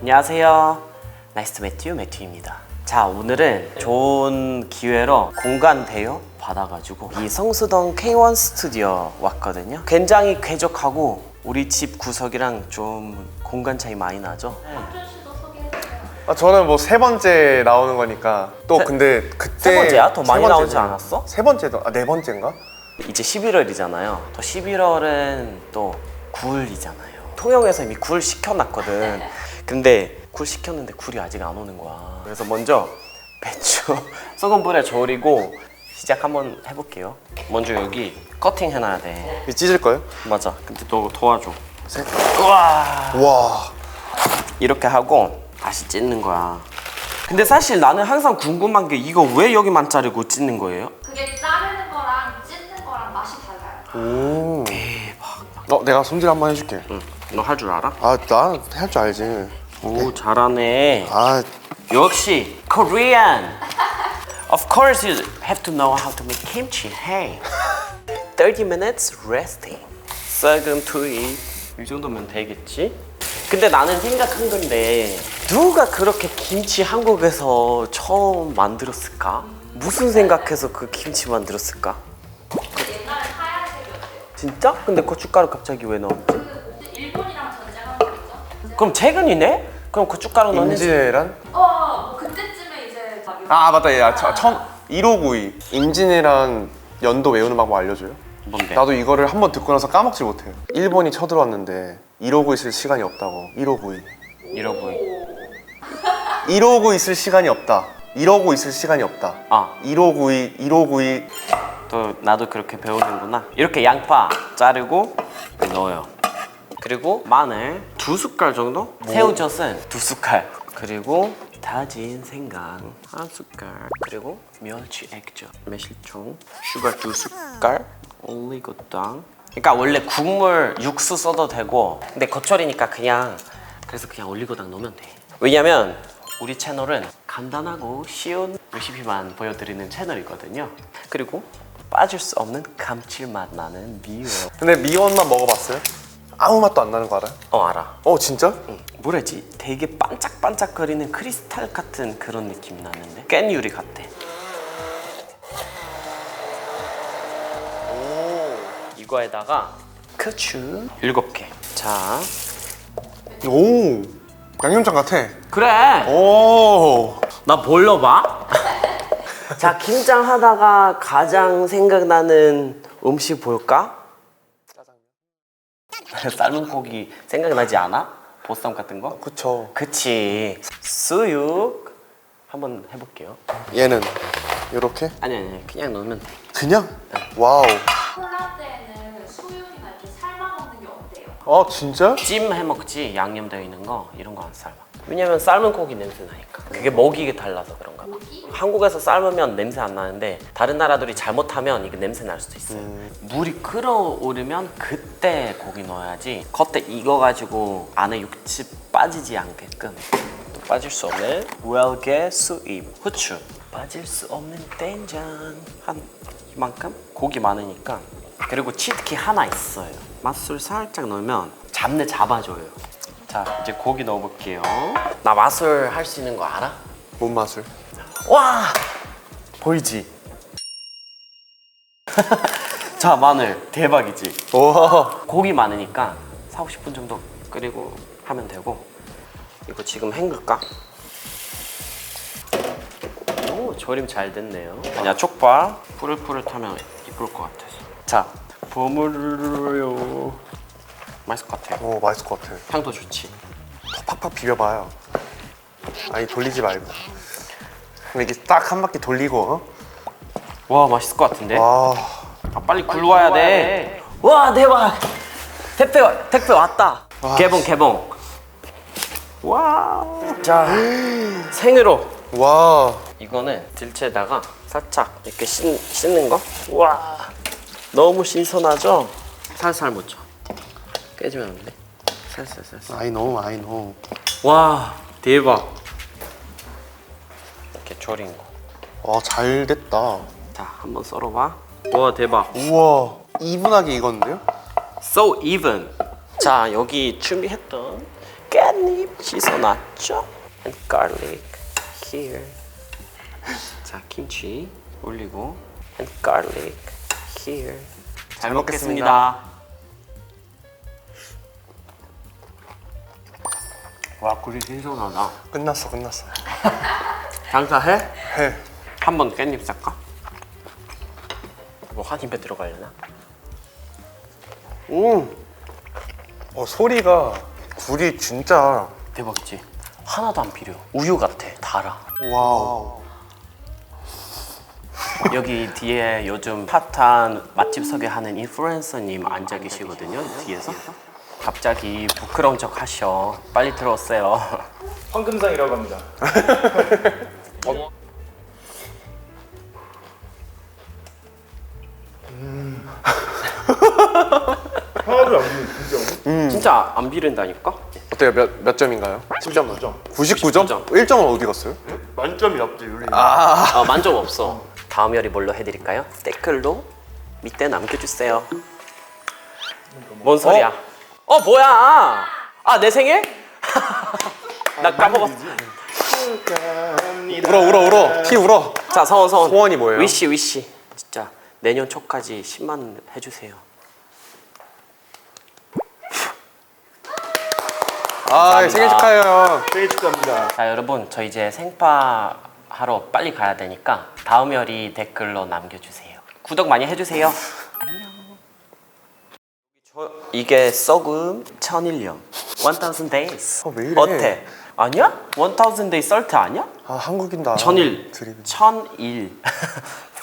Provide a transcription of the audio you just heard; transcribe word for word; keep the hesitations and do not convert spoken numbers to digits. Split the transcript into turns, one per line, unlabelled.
안녕하세요. 나이스 투 매튜 매튜입니다. 자, 오늘은 좋은 기회로 공간 대여 받아가지고 이 성수동 케이 원 스튜디오 왔거든요. 굉장히 쾌적하고 우리 집 구석이랑 좀 공간 차이 많이 나죠?
아, 저는 뭐 세 번째 나오는 거니까 또
세-
근데 그때
세 번째야? 더 많이
세
나오지
번째죠.
않았어?
세 번째도 아 네 번째인가?
이제 십일월이잖아요. 또 십일월은 또 굴이잖아요. 통영에서 이미 굴 시켜놨거든. 근데 굴 시켰는데 굴이 아직 안 오는 거야. 그래서 먼저 배추 소금물에 졸이고 시작 한번 해볼게요. 먼저 여기 커팅 해놔야 돼.
이거 찢을 거예요?
맞아. 근데 너 도와줘.
셋.
우와.
와.
이렇게 하고 다시 찢는 거야. 근데 사실 나는 항상 궁금한 게 이거 왜 여기만 자르고 찢는 거예요?
그게 자르는 거랑 찢는 거랑 맛이 달라요.
오.
대박.
어, 내가 손질 한번 해줄게.
응. 너 할 줄 알아?
아, 나 할 줄 알지.
오, 잘하네.
아,
역시 Korean. Of course you have to know how to make kimchi. Hey. thirty minutes resting. 썩은 투입. 이 정도면 되겠지? 근데 나는 생각한 건데 누가 그렇게 김치 한국에서 처음 만들었을까? 무슨 생각해서 그 김치 만들었을까?
옛날에 하얀색이었대요.
진짜? 근데 고춧가루 갑자기 왜 넣었지?
그 일본이랑 전쟁하고 있죠?
그럼 최근이네? 그럼 고춧가루 넣는
임진왜란?
어, 뭐 그때쯤에 이제 막 이런
아, 맞다. 야, 저, 처음 일오구이. 임진왜란 연도 외우는 방법 알려줘요?
뭔데?
나도 이거를 한번 듣고 나서 까먹지 못해요. 일본이 쳐들어왔는데 이러고 있을 시간이 없다고. 일오구이.
이러고
이러고 있을 시간이 없다. 이러고 있을 시간이 없다.
아.
일오구이, 일오구이.
또 나도 그렇게 배우는구나. 이렇게 양파 자르고 넣어요. 그리고 마늘 두 숟갈 정도? 새우젓은 두 숟갈. 그리고 다진 생강 한 숟갈. 그리고 멸치 액젓, 매실청, 슈가 두 숟갈, 올리고당. 그러니까 원래 국물 육수 써도 되고, 근데 겉절이니까 그냥 그래서 그냥 올리고당 넣으면 돼. 왜냐면 우리 채널은 간단하고 쉬운 레시피만 보여드리는 채널이거든요. 그리고 빠질 수 없는 감칠맛 나는 미원.
근데 미원만 먹어봤어요? 아무 맛도 안 나는 거 알아요?
어, 알아.
어, 진짜?
응. 뭐라지? 되게 반짝반짝거리는 크리스탈 같은 그런 느낌이 나는데 깻유리 같아.
오.
이거에다가 고추 일곱 개. 자,
오. 양념장 같아.
그래.
오.
나 볼러 봐. 자, 김장 하다가 가장 생각나는 음식 볼까? 삶은 고기 생각나지 않아? 보쌈 같은 거?
그쵸.
그치. 수육 한번 해볼게요.
얘는 요렇게?
아니 아니 그냥 넣으면 돼.
그냥? 와우.
콜라때는 수육이나 이렇게 삶아 먹는 게 어때요?
아, 진짜?
찜 해먹지 양념되어 있는 거 이런 거 안 삶아. 왜냐면 삶은 고기 냄새 나니까. 그게 먹이게 달라서 그런가 봐.
고기?
한국에서 삶으면 냄새 안 나는데 다른 나라들이 잘못하면 이게 냄새 날 수도 있어요.
음.
물이 끓어오르면 그때 고기 넣어야지 겉에 익어가지고 안에 육즙 빠지지 않게끔. 또 빠질 수 없는 웰게 수입 후추. 빠질 수 없는 된장 한 이만큼? 고기 많으니까. 그리고 치트키 하나 있어요. 맛술 살짝 넣으면 잡내 잡아줘요. 자, 이제 고기 넣어볼게요. 나 맛술 할 수 있는 거 알아?
뭔 맛을?
와! 보이지? 자, 마늘 대박이지?
와.
고기 많으니까 사, 오십 분 정도 끓이고 하면 되고. 이거 지금 헹굴까? 오, 절임 잘 됐네요. 아니야, 촉밥 푸릇푸릇하면 이쁠 것 같아서. 자, 버무려요. 맛있을 것 같아요.
오, 맛있을 것 같아.
향도 좋지.
더 팍팍 비벼봐요. 아니, 돌리지 말고. 이렇게 딱 한 바퀴 돌리고. 어?
와, 맛있을 것 같은데?
와.
아, 빨리 굴러와야 돼. 와, 대박. 택배 와- 택배 왔다.
와,
개봉 개봉. 와. 자, 생으로.
와.
이거는 들채에다가 살짝 이렇게 씻, 씻는 거. 와. 너무 신선하죠? 살살 묻혀. 깨지면 안 돼. 살살 살살.
I know, I know.
와, 대박. 이렇게 졸인 거.
와, 잘 됐다.
자, 한번 썰어봐. 와, 대박.
우와. 이분하게 익었는데요?
So even. 자, 여기 준비했던 깻잎 씻어놨죠? And garlic here. 자, 김치 올리고 and garlic here. 잘 먹겠습니다. 와, 굴이 신선하다.
끝났어 끝났어.
장사해?
해.
한번 깻잎 쌀까? 뭐 한 입에 들어가려나?
음. 어 소리가 굴이 진짜.
대박이지? 하나도 안 필요. 우유 같아. 달아.
와우.
여기 뒤에 요즘 핫한 맛집 소개하는 인플루엔서님 앉아 계시거든요. 뒤에서. 갑자기 부끄러운 척 하셔. 빨리 들어오세요.
황금상이라고 합니다.
어?
하나도 안 보이는 진짜.
진짜 안 비린다니까?
어때요? 몇, 몇 점인가요? 십 점.
구십구 점.
구십구 점?
점.
일 점은 어디 갔어요?
만점이 없지 요리.
아, 만족 없어. 다음 요리 뭘로 해드릴까요? 댓글로 밑에 남겨주세요. 뭔 소리야? 어, 뭐야? 아, 내 생일? 나 까먹었어.
울어 울어 울어. 피 울어.
자, 서원 서원.
소원이 뭐예요?
위시 위시. 진짜 내년 초까지 십만 해주세요.
아 생일 축하해요.
생일 축하합니다.
자, 여러분, 저 이제 생파 하러 빨리 가야 되니까 다음 요리 댓글로 남겨주세요. 구독 많이 해주세요. 안녕. 저 이게 썩음 천일 년. one thousand days.
어, 왜 이래?
어때? 아니야? one thousand days 썰트 아니야?
아 한국인 다.
천일.
드립.
천일.